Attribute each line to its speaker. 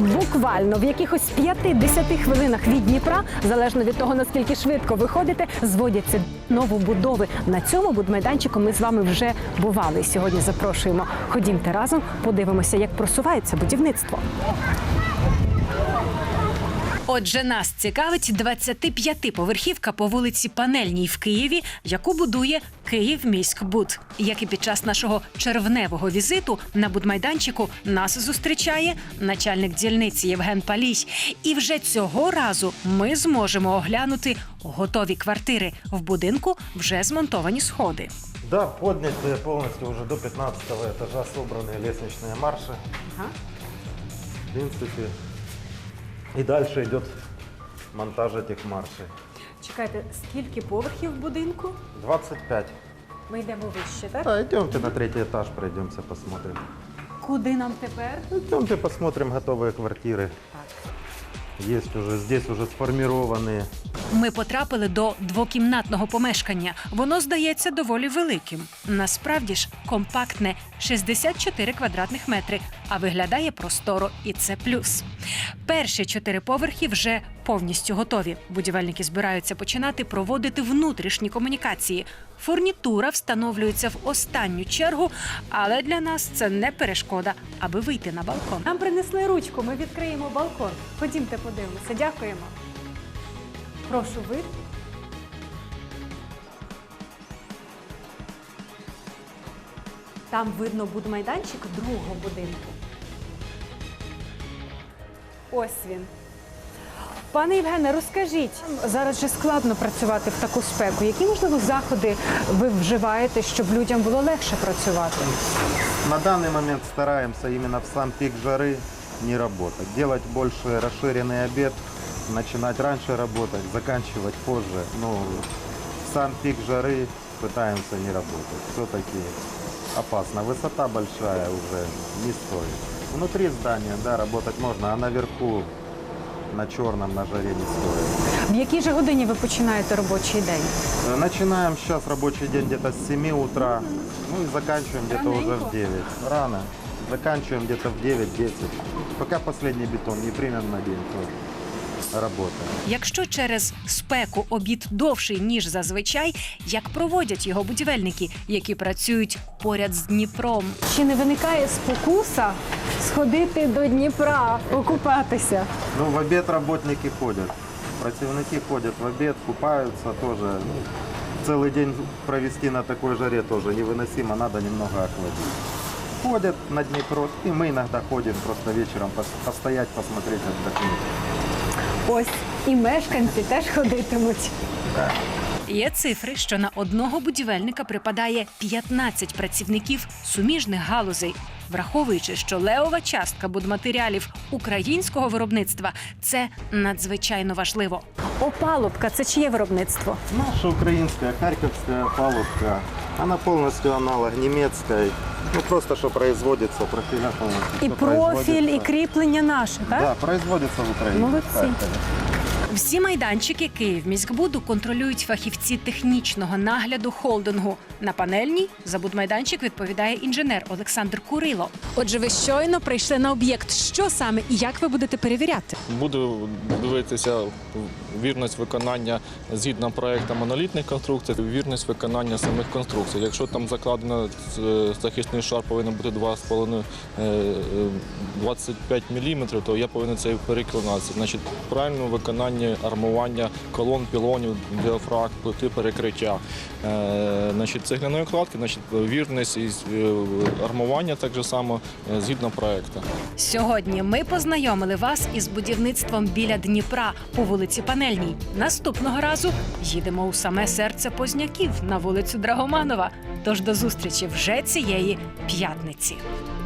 Speaker 1: Буквально в якихось 5-10 хвилинах від Дніпра, залежно від того, наскільки швидко ви ходите, зводяться новобудови. На цьому будмайданчику ми з вами вже бували. Сьогодні запрошуємо. Ходімте разом, подивимося, як просувається будівництво. Отже, нас цікавить 25-поверхівка по вулиці Панельній в Києві, яку будує «Київміськбуд». Як і під час нашого червневого візиту на будмайданчику нас зустрічає начальник дільниці Євген Палій. І вже цього разу ми зможемо оглянути готові квартири. В будинку вже змонтовані сходи.
Speaker 2: Да, подняты полностью уже до 15-го этажа собраны лестничные марши.
Speaker 1: Ага.
Speaker 2: В принципе, и дальше идет монтаж этих маршей.
Speaker 1: Чекайте, скільки поверхів в будинку?
Speaker 2: 25.
Speaker 1: Ми йдемо вище, так?
Speaker 2: Да, идемте на 3-й этаж, пройдемся, посмотрим.
Speaker 1: Куди нам тепер?
Speaker 2: Идемте посмотрим готовые квартиры.
Speaker 1: Так.
Speaker 2: Есть уже, здесь уже сформированные.
Speaker 1: Ми потрапили до двокімнатного помешкання. Воно здається доволі великим. Насправді ж компактне – 64 квадратних метри, а виглядає просторо, і це плюс. Перші 4 поверхи вже повністю готові. Будівельники збираються починати проводити внутрішні комунікації. Фурнітура встановлюється в останню чергу, але для нас це не перешкода, аби вийти на балкон. Нам принесли ручку, ми відкриємо балкон. Ходімте подивимося. Дякуємо. Прошу, вид. Там видно будмайданчик другого будинку. Ось він. Пане Євгене, розкажіть, зараз же складно працювати в таку спеку. Які, можливо, заходи ви вживаєте, щоб людям було легше працювати?
Speaker 2: На данный момент стараемся именно в сам пик жары не работать. Делать больше расширенный обед, начинать раньше работать, заканчивать позже. Но в сам пик жары пытаемся не работать. Все-таки опасно. Высота большая уже не стоит. Внутри здания, да, работать можно, а наверху на черном, на жаре не стоит.
Speaker 1: В якій же годині ви починаєте робочий день?
Speaker 2: Начинаем сейчас рабочий день где-то с 7 утра, ну и заканчиваем где-то уже в 9. Рано. Заканчиваем где-то в 9-10. Пока последний бетон не примем на день, то работаем.
Speaker 1: Якщо через спеку обід довший, ніж зазвичай, як проводять його будівельники, які працюють поряд з Дніпром? Чи не виникає спокуса сходити до Дніпра, окупатися?
Speaker 2: Ну, в обед работники ходят. Противники ходят в обед, купаются тоже. Ну, целый день провести на такой жаре тоже невыносимо, надо немного охладить. Ходят на Днепро, и мы иногда ходим просто вечером постоять, посмотреть, отдохнуть.
Speaker 1: Ось і мешканці теж ходитимуть. Є цифри, що на одного будівельника припадає 15 працівників суміжних галузей. Враховуючи, що левова частка будматеріалів українського виробництва – це надзвичайно важливо. Опалубка – це чиє виробництво?
Speaker 2: Наша украинская, харьковская палубка, она полностью аналог немецкой. Ну, просто что производится, профиля полностью.
Speaker 1: І
Speaker 2: Всё
Speaker 1: профіль, і
Speaker 2: производится.
Speaker 1: кріплення наше, так?
Speaker 2: Да, производится в Украине.
Speaker 1: Молодці.
Speaker 2: в Харькове.
Speaker 1: Всі майданчики «Київміськбуду» контролюють фахівці технічного нагляду холдингу. На Панельній за будмайданчик відповідає інженер Олександр Курило. Отже, ви щойно прийшли на об'єкт. Що саме і як ви будете перевіряти?
Speaker 3: Буду дивитися вірність виконання згідно проекту монолітних конструкцій, вірність виконання самих конструкцій. Якщо там закладено захисний шар повинен бути 25 мм, то я повинен це переконатися. Значить, правильне виконання армування колон, пілонів, діафрагм, плити перекриття. Значить, цегляної кладки, значить, вірність і армування так же само згідно проекту.
Speaker 1: Сьогодні ми познайомили вас із будівництвом біля Дніпра по вулиці Панельній. Наступного разу їдемо у саме серце Позняків на вулицю Драгоманова. Тож до зустрічі вже цієї п'ятниці.